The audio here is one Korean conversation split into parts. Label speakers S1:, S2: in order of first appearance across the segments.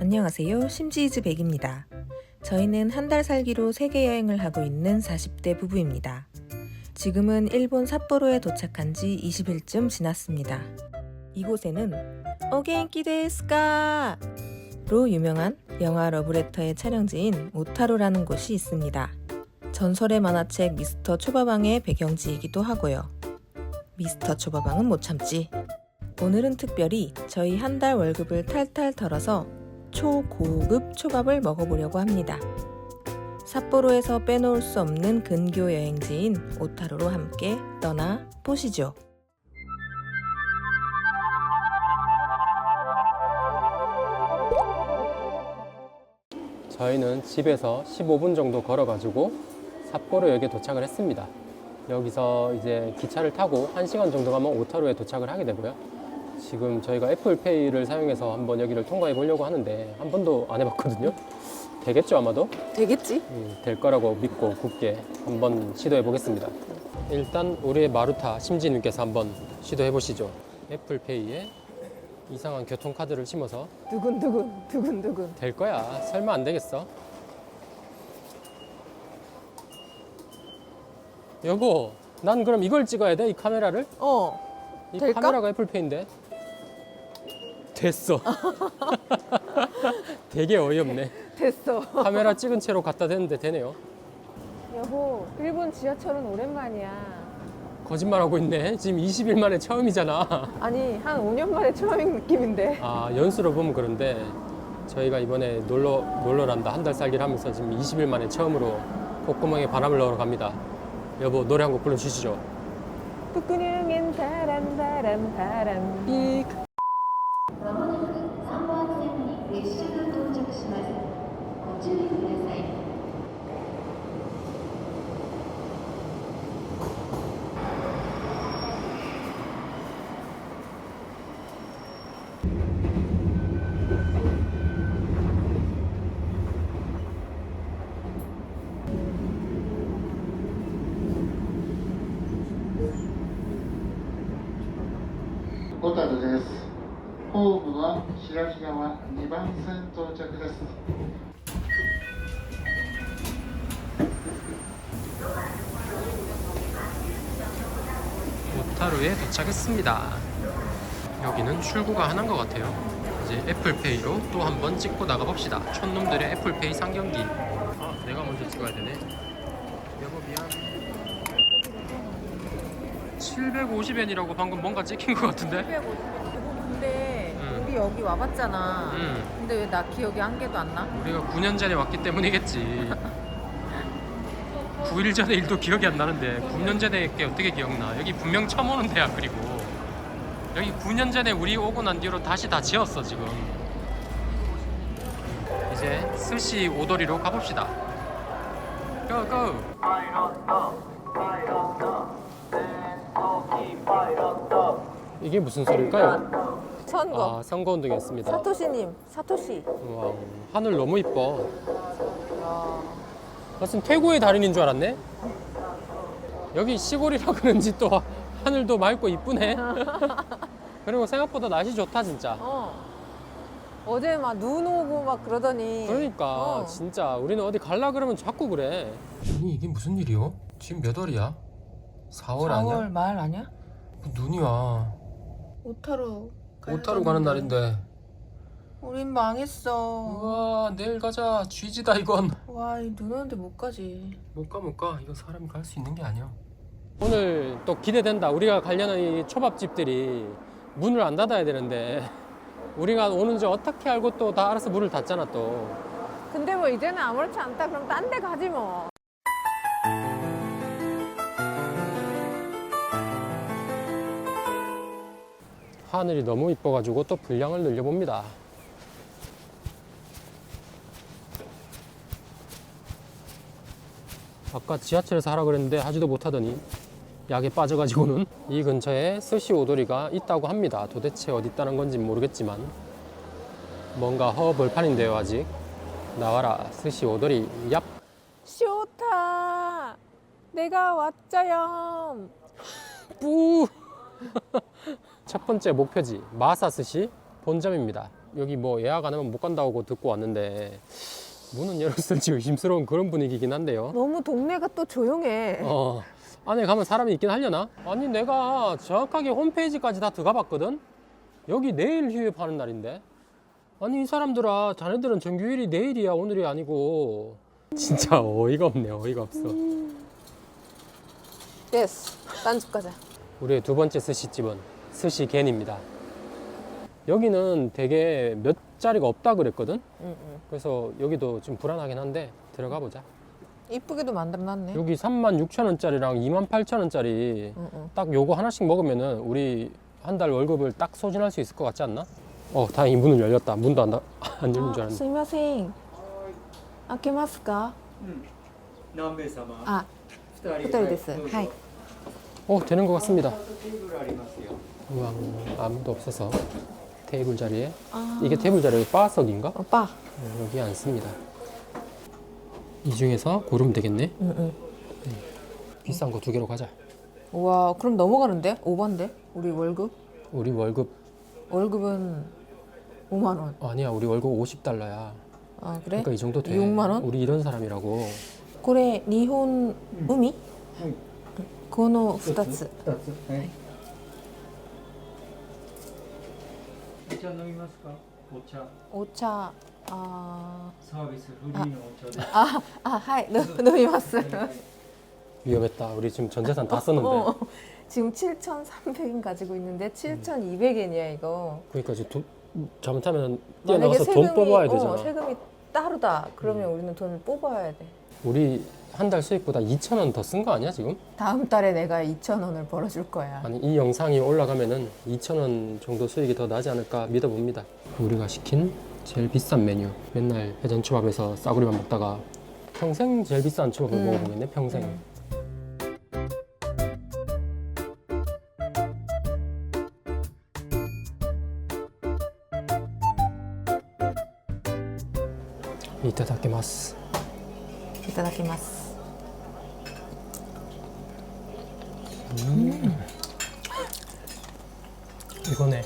S1: 안녕하세요. 심지이즈 백입니다. 저희는 한 달 살기로 세계 여행을 하고 있는 40대 부부입니다. 지금은 일본 삿포로에 도착한 지 20일쯤 지났습니다. 이곳에는 오겐키 데스까? 로 유명한 영화 러브레터의 촬영지인 오타루라는 곳이 있습니다. 전설의 만화책 미스터 초밥왕의 배경지이기도 하고요. 미스터 초밥왕은 못 참지. 오늘은 특별히 저희 한 달 월급을 탈탈 털어서 초고급 초밥을 먹어보려고 합니다. 삿포로에서 빼놓을 수 없는 근교 여행지인 오타루로 함께 떠나보시죠.
S2: 저희는 집에서 15분 정도 걸어가지고 삿포로역에 도착을 했습니다. 여기서 이제 기차를 타고 1시간 정도 가면 오타루에 도착을 하게 되고요. 지금 저희가 애플페이를 사용해서 한번 여기를 통과해 보려고 하는데 한 번도 안 해봤거든요. 되겠죠 아마도?
S1: 되겠지?
S2: 될 거라고 믿고 굳게 한번 시도해 보겠습니다. 일단 우리의 마루타 심지님께서 한번 시도해 보시죠. 애플페이에 이상한 교통카드를 심어서
S1: 두근두근
S2: 될 거야. 설마 안 되겠어? 여보, 난 그럼 이걸 찍어야 돼? 이 카메라를? 이
S1: 될까?
S2: 카메라가 애플페이인데. 됐어. 되게 어이없네.
S3: 됐어.
S2: 카메라 찍은 채로 갖다 대는데 되네요.
S3: 여보, 일본 지하철은 오랜만이야.
S2: 거짓말하고 있네. 지금 20일 만에 처음이잖아.
S3: 아니, 한 5년 만에 처음인 느낌인데.
S2: 아, 연수로 보면 그런데 저희가 이번에 놀러란다 한 달 살기를 하면서 지금 20일 만에 처음으로 콧구멍에 바람을 넣으러 갑니다. 여보, 노래 한 곡 불러주시죠.
S3: 푸꾸능엔 바람 바람 바람.
S2: 삑.
S4: まもなく3番線に列車が到着します。ご注意ください。
S5: 小樽です。ホームは白木川2番線到着です。
S2: 오타루에 도착했습니다. 여기는 출구가 하나인 것 같아요. 이제 애플페이로 또 한번 찍고 나가봅시다. 촌놈들의 애플페이 상경기. 아, 내가 먼저 찍어야 되네. 여보 미안. 750엔이라고 방금 뭔가 찍힌 것 같은데?
S3: 750원. 근데
S2: 응.
S3: 우리 여기 와봤잖아.
S2: 응.
S3: 근데 왜 나 기억이 한 개도 안 나?
S2: 우리가 9년 전에 왔기 때문이겠지. 9일 전에 일도 기억이 안 나는데 9년 전에 게 어떻게 기억나? 여기 분명 처음 오는 데야. 그리고 여기 9년 전에 우리 오고 난 뒤로 다시 다 지었어 지금. 이제 스시 오도리로 가봅시다. 고고! 이게 무슨 소리일까요?
S3: 선거.
S2: 아, 선거운동이었습니다.
S3: 사토시님, 사토시.
S2: 와, 하늘 너무 이뻐. 무슨 태고의 달인인 줄 알았네. 여기 시골이라 그런지 또 하늘도 맑고 이쁘네. 그리고 생각보다 날씨 좋다 진짜.
S3: 어제 막 눈 오고 막 그러더니.
S2: 그러니까 진짜 우리는 어디 갈라 그러면 자꾸 그래. 아니 이게 무슨 일이요? 지금 몇 월이야? 4월 아니야?
S1: 4월 말 아니야?
S2: 눈이 와.
S1: 오타루
S2: 오타루 가는 날인데.
S1: 우린 망했어.
S2: 우와, 내일 가자. 쥐지다 이건.
S1: 와, 이 눈 오는데 못 가지.
S2: 못 가. 이거 사람이 갈 수 있는 게 아니야. 오늘 또 기대된다. 우리가 가려는 이 초밥집들이 문을 안 닫아야 되는데 우리가 오는지 어떻게 알고 또 다 알아서 문을 닫잖아 또.
S3: 근데 뭐 이제는 아무렇지 않다. 그럼 딴 데 가지 뭐.
S2: 하늘이 너무 이뻐가지고 또 분량을 늘려봅니다. 아까 지하철에서 하라 그랬는데 하지도 못하더니 약에 빠져가지고는. 이 근처에 스시 오도리가 있다고 합니다. 도대체 어디 있다는 건지 모르겠지만 뭔가 허벌판인데요. 아직 나와라 스시 오도리. 얍.
S3: 쇼타, 내가 왔자요.
S2: 뿌. 첫 번째 목표지 마사스시 본점입니다. 여기 뭐 예약 안 하면 못 간다고 듣고 왔는데 문은 열었을지 의심스러운 그런 분위기긴 한데요.
S3: 너무 동네가 또 조용해.
S2: 안에 가면 사람이 있긴 하려나? 아니 내가 정확하게 홈페이지까지 다 들어가 봤거든? 여기 내일 휴업하는 날인데? 아니 이 사람들아, 자네들은 정규일이 내일이야 오늘이 아니고. 진짜 어이가 없네. 어이가 없어.
S3: 예스. 딴 집 가자.
S2: 우리의 두 번째 스시집은 스시겐입니다. 여기는 되게 몇 자리가 없다 그랬거든? 그래서 여기도 좀 불안하긴 한데 들어가 보자.
S3: 이쁘게도 만들어놨네.
S2: 여기 36,000원짜리랑 28,000원짜리 딱 요거 하나씩 먹으면은 우리 한 달 월급을 딱 소진할 수 있을 것 같지 않나? 다행히 문은 열렸다. 문도 안 열린 줄 알았는데.
S3: すいません。開けますか？
S6: 何名様？
S3: あ、
S6: 二
S3: 二人です。
S6: どうぞ
S3: はい。
S2: 되는 것 같습니다.
S6: テーブルありますよ。
S2: 우와, 아무도 없어서 테이블 자리에.
S3: 아.
S2: 이게 테이블 자리에 바석인가?
S3: 오빠.
S2: 여기 앉습니다. 이 중에서 고르면 되겠네. 비싼 거 두 개로 가자.
S3: 우와, 그럼 넘어가는데? 오반데? 우리 월급?
S2: 우리 월급
S3: 월급은 5만 원.
S2: 아니야. 우리 월급 50달러야.
S3: 아, 그래?
S2: 그러니까 이 정도 돼.
S3: 6만 원?
S2: 우리 이런 사람이라고.
S3: これ日本海？この2つ。
S6: 二つ。はい。お茶飲みますか？お茶。
S3: お茶。あ
S6: サービスフリーのお茶で。
S3: あ、はい、飲みます。
S2: 위험했다. 우리 지금 전 재산 다 썼는데.
S3: 지금 7,300엔 가지고 있는데 7,200엔이야 이거.
S2: 그러니까 지금 잘못하면
S3: 만약에
S2: 뛰어나가서 돈 뽑아야 되잖아.
S3: 세금이 따로다. 그러면 우리는 돈을 뽑아야 돼.
S2: 우리 한 달 수익보다 2,000원 더 쓴 거 아니야 지금?
S3: 다음 달에 내가 2,000원을 벌어줄 거야.
S2: 아니 이 영상이 올라가면은 2,000원 정도 수익이 더 나지 않을까 믿어봅니다. 우리가 시킨 제일 비싼 메뉴. 맨날 회전초밥에서 싸구리만 먹다가 평생 제일 비싼 초밥을 먹어보겠네. 평생. 이타다키마스.
S3: いただきます。
S2: 이거네.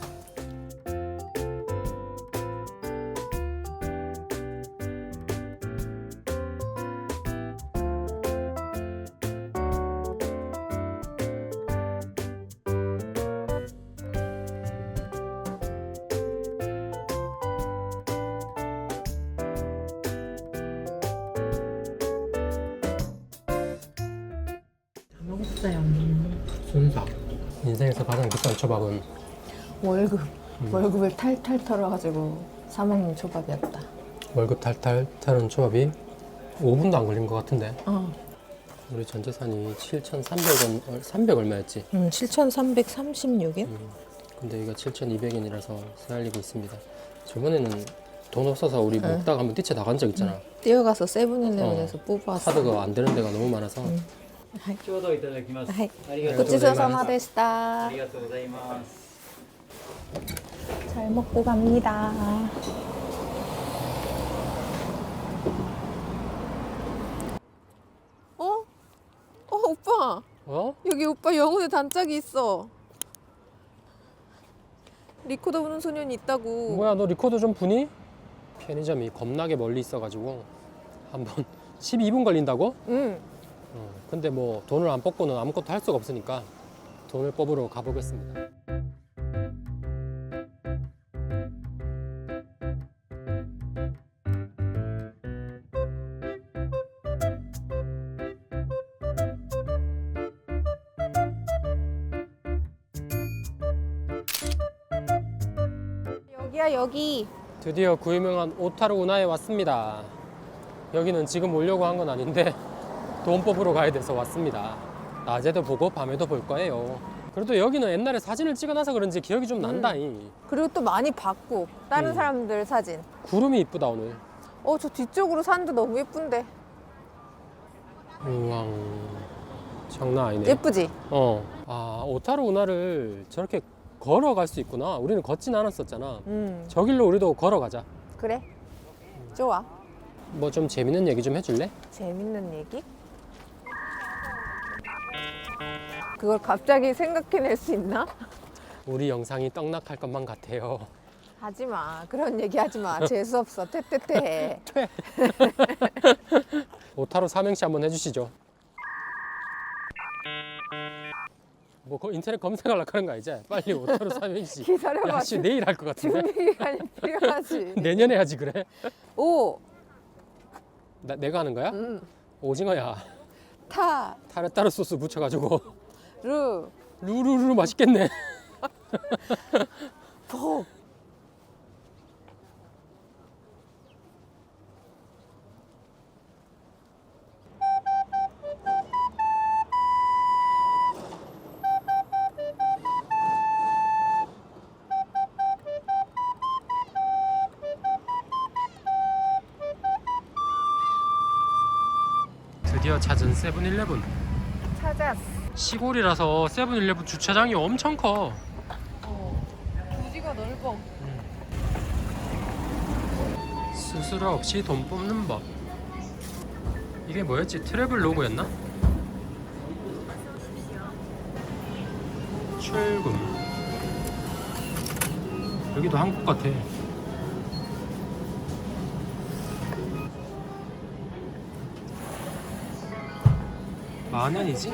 S3: 먹었어요.
S2: 순삭. 인생에서 가장 비싼 초밥은
S3: 월급을 탈탈 털어가지고 사 먹는 초밥이었다.
S2: 월급 탈탈 타는 초밥이 5분도 안 걸린 것 같은데.
S3: 어.
S2: 우리 전 재산이 7,300원, 300 얼마였지?
S3: 7,336엔?
S2: 근데 여기가 7,200엔이라서 쓰날리고 있습니다. 저번에는 돈 없어서 우리 먹다가 한번 뛰쳐 나간 적 있잖아.
S3: 뛰어가서 세븐일레븐에서 뽑아왔어.
S2: 카드가 안 되는 데가 너무 많아서.
S6: ちょうどいただきます。
S3: はい。
S6: ありがとう
S3: ごちそうさまでした
S6: あり。がとうございます。
S3: 잘 먹고 갑니다. 오빠. 여기 오빠 영혼의 단짝이 있어. 리코더 부는 소년이 있다고.
S2: 뭐야, 너 리코더 좀 부니? 편의점이 겁나게 멀리 있어가지고 한번 12분 걸린다고?
S3: 응.
S2: 근데 뭐 돈을 안 뽑고는 아무것도 할 수가 없으니까 돈을 뽑으러 가보겠습니다.
S3: 여기야 여기.
S2: 드디어 그 유명한 오타루 운하에 왔습니다. 여기는 지금 오려고 한 건 아닌데 돈 뽑으러 가야 돼서 왔습니다. 낮에도 보고 밤에도 볼 거예요. 그래도 여기는 옛날에 사진을 찍어놔서 그런지 기억이 좀 난다잉.
S3: 그리고 또 많이 봤고 다른 사람들 사진.
S2: 구름이 이쁘다 오늘.
S3: 저 뒤쪽으로 산도 너무 예쁜데.
S2: 우왕, 장난 아니네.
S3: 예쁘지?
S2: 오타루 운하를 저렇게 걸어갈 수 있구나. 우리는 걷진 않았었잖아.
S3: 응.
S2: 저 길로 우리도 걸어가자.
S3: 그래. 좋아.
S2: 뭐 좀 재밌는 얘기 좀 해줄래?
S3: 재밌는 얘기? 그걸 갑자기 생각해낼 수 있나?
S2: 우리 영상이 떡락할 것만 같아요.
S3: 하지 마. 그런 얘기 하지 마. 재수 없어. 퇴퇴퇴.
S2: 오타루 삼행시 한번 해주시죠. 뭐 인터넷 검색하려고 그런 거 아니지? 빨리 오타루 삼행시.
S3: 기다려봐.
S2: 야씨 내일 할 것 같은데.
S3: 준비 기간이 필요하지.
S2: 내년에 하지 그래?
S3: 오,
S2: 내가 하는 거야? 오징어야.
S3: 타,
S2: 타르타르 소스 묻혀가지고
S3: 루,
S2: 루루루 맛있겠네.
S3: 폭.
S2: 드디어 찾은 세븐일레븐.
S3: 찾았어.
S2: 시골이라서 세븐일레븐 주차장이 엄청 커.
S3: 부지가 넓어.
S2: 수수료 없이 돈 뽑는 법. 이게 뭐였지? 트래블 로고였나? 출금. 여기도 한국 같아. 만엔이지?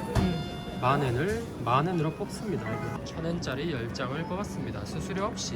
S2: 만엔으로 뽑습니다. 1,000엔짜리 10장을 뽑았습니다. 수수료 없이.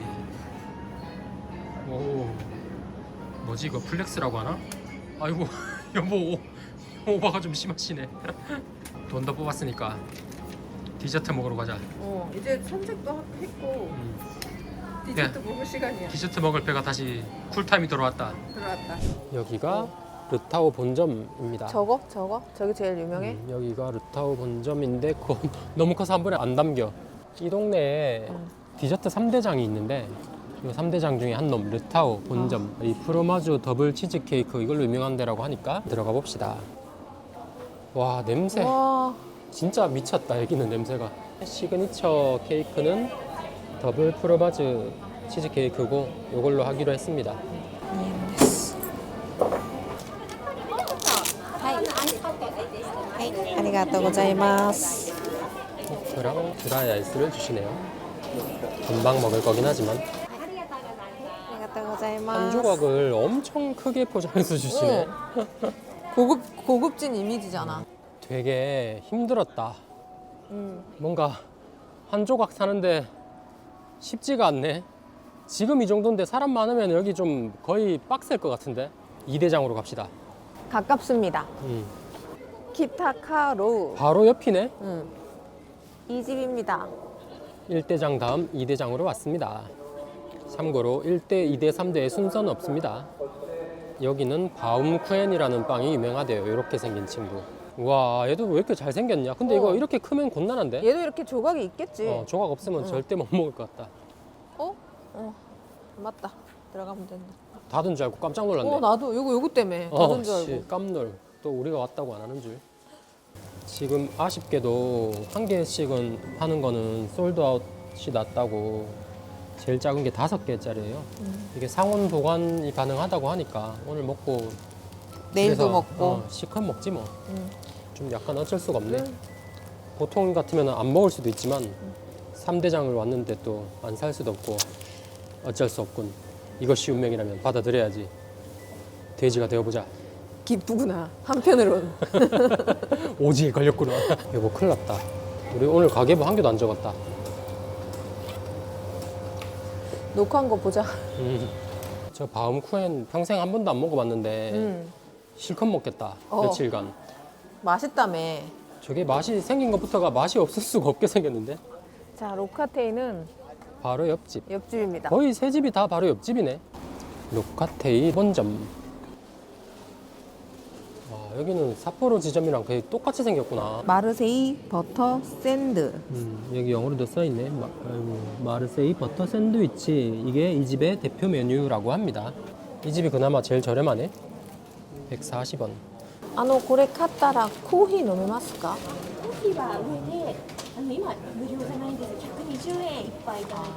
S2: 오, 뭐지 이거 플렉스라고 하나? 아이고 여보 오바가 좀 심하시네. 돈 더 뽑았으니까 디저트 먹으러 가자.
S3: 이제 산책도 했고 디저트 먹을 시간이야.
S2: 디저트 먹을 배가 다시 쿨타임이 돌아왔다.
S3: 들어왔다.
S2: 여기가 르타오 본점입니다.
S3: 저거? 저기 제일 유명해?
S2: 여기가 르타오 본점인데 그거 너무 커서 한 번에 안 담겨. 이 동네에 디저트 3대장이 있는데 이 3대장 중에 한 놈 르타오 본점. 이 프로마주 더블 치즈 케이크 이걸로 유명한 데라고 하니까 들어가 봅시다. 와 냄새
S3: 와,
S2: 진짜 미쳤다. 여기는 냄새가. 시그니처 케이크는 더블 프로마주 치즈 케이크고 이걸로 하기로 했습니다.
S3: 아리가또ございます.
S2: 그랑 드라이 아이스를 주시네요. 금방 먹을 거긴 하지만
S3: 아리가또ございます.
S2: 한 조각을 엄청 크게 포장해서 주시네.
S3: 고급진 이미지잖아.
S2: 되게 힘들었다. 뭔가 한 조각 사는데 쉽지가 않네. 지금 이 정도인데 사람 많으면 여기 좀 거의 빡셀 것 같은데. 2대장으로 갑시다.
S3: 가깝습니다. 키타카로.
S2: 바로 옆이네.
S3: 이 집입니다.
S2: 1대장 다음 2대장으로 왔습니다. 참고로 1대, 2대, 3대의 순서는 없습니다. 여기는 바움쿠엔이라는 빵이 유명하대요. 이렇게 생긴 친구. 와 얘도 왜 이렇게 잘생겼냐. 근데 이거 이렇게 크면 곤란한데?
S3: 얘도 이렇게 조각이 있겠지.
S2: 조각 없으면 절대 못 먹을 것 같다.
S3: 맞다. 들어가면 된다.
S2: 닫은 줄 알고 깜짝 놀랐네.
S3: 나도 요거 때문에 닫은 줄 알고.
S2: 씨, 깜놀. 또 우리가 왔다고 안 하는 줄. 지금 아쉽게도 한 개씩은 파는 거는 솔드아웃이 났다고. 제일 작은 게 5개짜리예요. 이게 상온 보관이 가능하다고 하니까 오늘 먹고
S3: 내일도
S2: 집에서,
S3: 먹고.
S2: 시컷 먹지 뭐. 좀 약간 어쩔 수가 없네. 보통 같으면 안 먹을 수도 있지만 3대장을 왔는데 또 안 살 수도 없고 어쩔 수 없군. 이것이 운명이라면 받아들여야지. 돼지가 되어보자.
S3: 기쁘구나. 한편으론.
S2: 오지게 걸렸구나. 여보 큰일 났다. 우리 오늘 가계부 한 개도 안 적었다.
S3: 녹화한 거 보자.
S2: 저 바움쿠엔 평생 한 번도 안 먹어봤는데 실컷 먹겠다. 며칠간.
S3: 맛있다며.
S2: 저게 맛이 생긴 것부터가 맛이 없을 수가 없게 생겼는데.
S3: 자, 로카테이는
S2: 바로 옆집.
S3: 옆집입니다.
S2: 거의 세 집이 다 바로 옆집이네. 로카테이 본점. 와, 여기는 삿포로 지점이랑 거의 똑같이 생겼구나.
S3: 마르세이 버터 샌드.
S2: 여기 영어로도 써있네. 마르세이 버터 샌드위치. 이게 이 집의 대표 메뉴라고 합니다. 이 집이 그나마 제일 저렴하네. 140원.
S3: これ買ったらコーヒー飲めますか？
S7: コーヒーは上で今無料じゃないんです120円一杯いただいて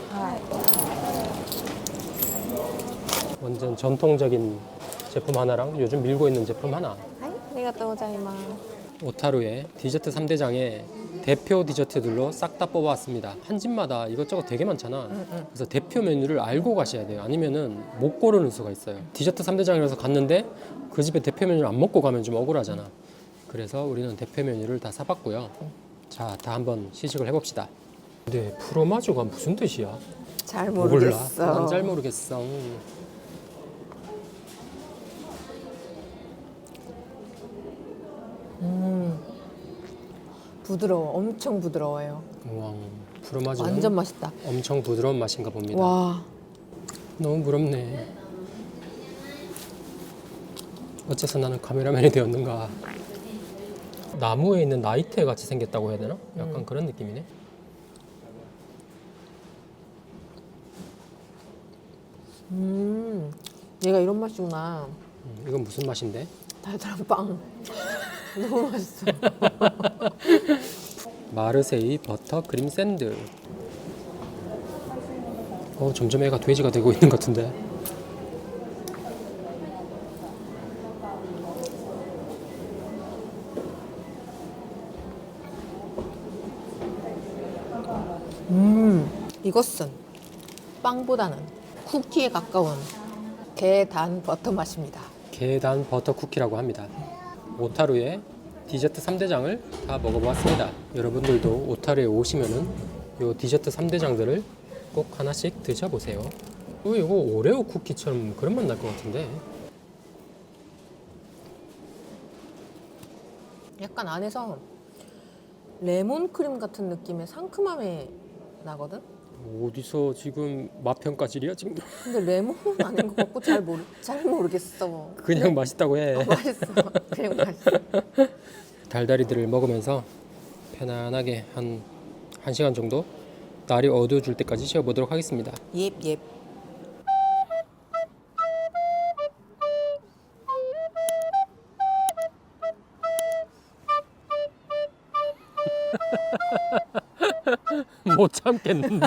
S7: ます。
S2: 완전 전통적인 제품 하나랑 요즘 밀고 있는 제품 하나.
S3: はい、ありがとうございます。
S2: 오타루의 디저트 3대장에 대표 디저트들로 싹 다 뽑아왔습니다. 한 집마다 이것저것 되게 많잖아. 그래서 대표 메뉴를 알고 가셔야 돼요. 아니면은 못 고르는 수가 있어요. 디저트 3대장이라서 갔는데 그 집에 대표 메뉴를 안 먹고 가면 좀 억울하잖아. 그래서 우리는 대표 메뉴를 다 사봤고요. 자, 다 한번 시식을 해봅시다. 근데 프로마조가 무슨 뜻이야?
S3: 잘
S2: 몰라.
S3: 모르겠어.
S2: 난 잘 모르겠어.
S3: 부드러워. 엄청 부드러워요.
S2: 우와, 프로마조는
S3: 완전 맛있다.
S2: 엄청 부드러운 맛인가 봅니다.
S3: 와.
S2: 너무 부럽네. 어째서 나는 카메라맨이 되었는가. 나무에 있는 나이테 같이 생겼다고 해야 되나? 약간 그런 느낌이네.
S3: 얘가 이런 맛이구나.
S2: 이건 무슨 맛인데?
S3: 달달한 빵. 너무 맛있어.
S2: 마르세이 버터 크림 샌드. 점점 애가 돼지가 되고 있는 것 같은데.
S3: 이것은 빵보다는 쿠키에 가까운 계단 버터 맛입니다.
S2: 계단 버터 쿠키라고 합니다. 오타루의 디저트 3대장을 다 먹어보았습니다. 여러분들도 오타루에 오시면은 요 디저트 3대장들을 꼭 하나씩 드셔보세요. 이거 오레오 쿠키처럼 그런 맛 날 것 같은데.
S3: 약간 안에서 레몬 크림 같은 느낌의 상큼함이 나거든?
S2: 어디서 지금 맛 평가질이야 지금?
S3: 근데 레몬은 아닌 것 같고 잘 모르겠어.
S2: 그냥 맛있다고 해.
S3: 맛있어. 그냥 맛있어.
S2: 달달이들을 먹으면서 편안하게 한 1시간 정도 날이 어두워질 때까지 쉬어보도록 하겠습니다.
S3: 예.
S2: 못 참겠는데.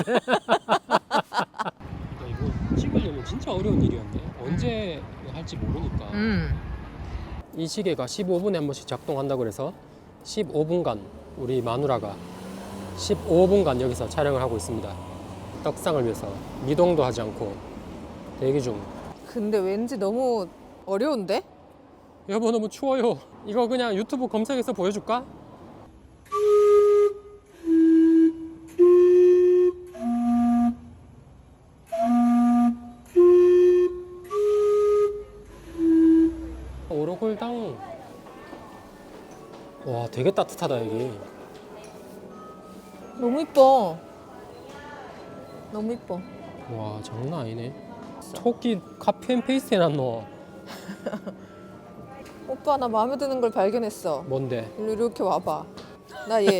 S2: 이거 찍으려면 진짜 어려운 일이었네. 언제 할지 모르니까. 이 시계가 15분에 한 번씩 작동한다고 그래서 15분간 우리 마누라가 15분간 여기서 촬영을 하고 있습니다. 떡상을 위해서 미동도 하지 않고 대기 중.
S3: 근데 왠지 너무 어려운데?
S2: 여보 너무 추워요. 이거 그냥 유튜브 검색해서 보여줄까? 오로골당. 와 되게 따뜻하다 여기.
S3: 너무 이뻐. 너무 이뻐.
S2: 와 장난 아니네. 토끼 카피 앤 페이스트 해놨노.
S3: 오빠 나 마음에 드는 걸 발견했어.
S2: 뭔데?
S3: 일로 이렇게 와봐. 나 얘.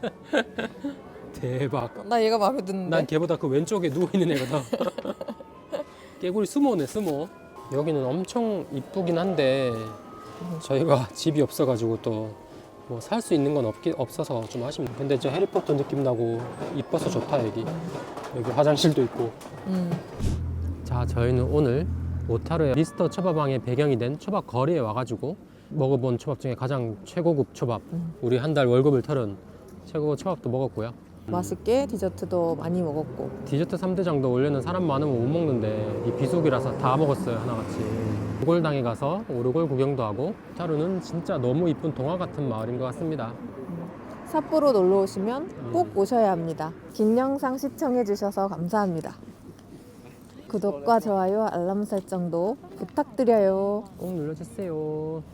S2: 대박.
S3: 나 얘가 마음에 드는데.
S2: 난 걔보다 그 왼쪽에 누워있는 애거든. 깨구리 수모네 수모. 여기는 엄청 이쁘긴 한데 저희가 집이 없어가지고 또 뭐 살 수 있는 건 없어서 좀 아쉽네. 근데 저 해리포터 느낌 나고 이뻐서 좋다 여기. 여기 화장실도 있고. 자 저희는 오늘 오타루의 미스터 초밥왕의 배경이 된 초밥 거리에 와가지고 먹어본 초밥 중에 가장 최고급 초밥, 우리 한 달 월급을 털은 최고급 초밥도 먹었고요.
S3: 맛있게 디저트도 많이 먹었고.
S2: 디저트 3대장도 원래는 사람 많으면 못 먹는데 이 비수기라서 다 먹었어요 하나같이. 오골당에 가서 오르골 구경도 하고. 오타루는 진짜 너무 이쁜 동화 같은 마을인 것 같습니다.
S3: 삿포로 놀러 오시면 꼭 오셔야 합니다. 긴 영상 시청해 주셔서 감사합니다. 구독과 좋아요, 알람 설정도 부탁드려요.
S2: 꼭 눌러주세요.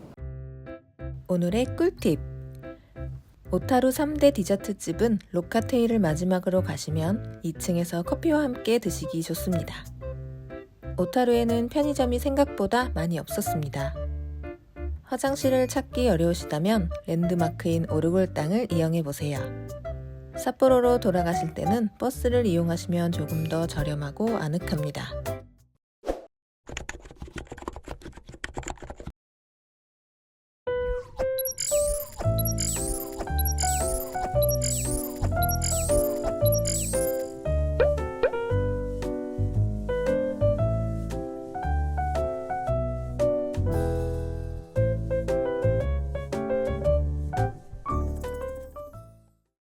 S1: 오늘의 꿀팁. 오타루 3대 디저트집은 로카테이를 마지막으로 가시면 2층에서 커피와 함께 드시기 좋습니다. 오타루에는 편의점이 생각보다 많이 없었습니다. 화장실을 찾기 어려우시다면 랜드마크인 오르골당을 이용해보세요. 삿포로로 돌아가실 때는 버스를 이용하시면 조금 더 저렴하고 아늑합니다.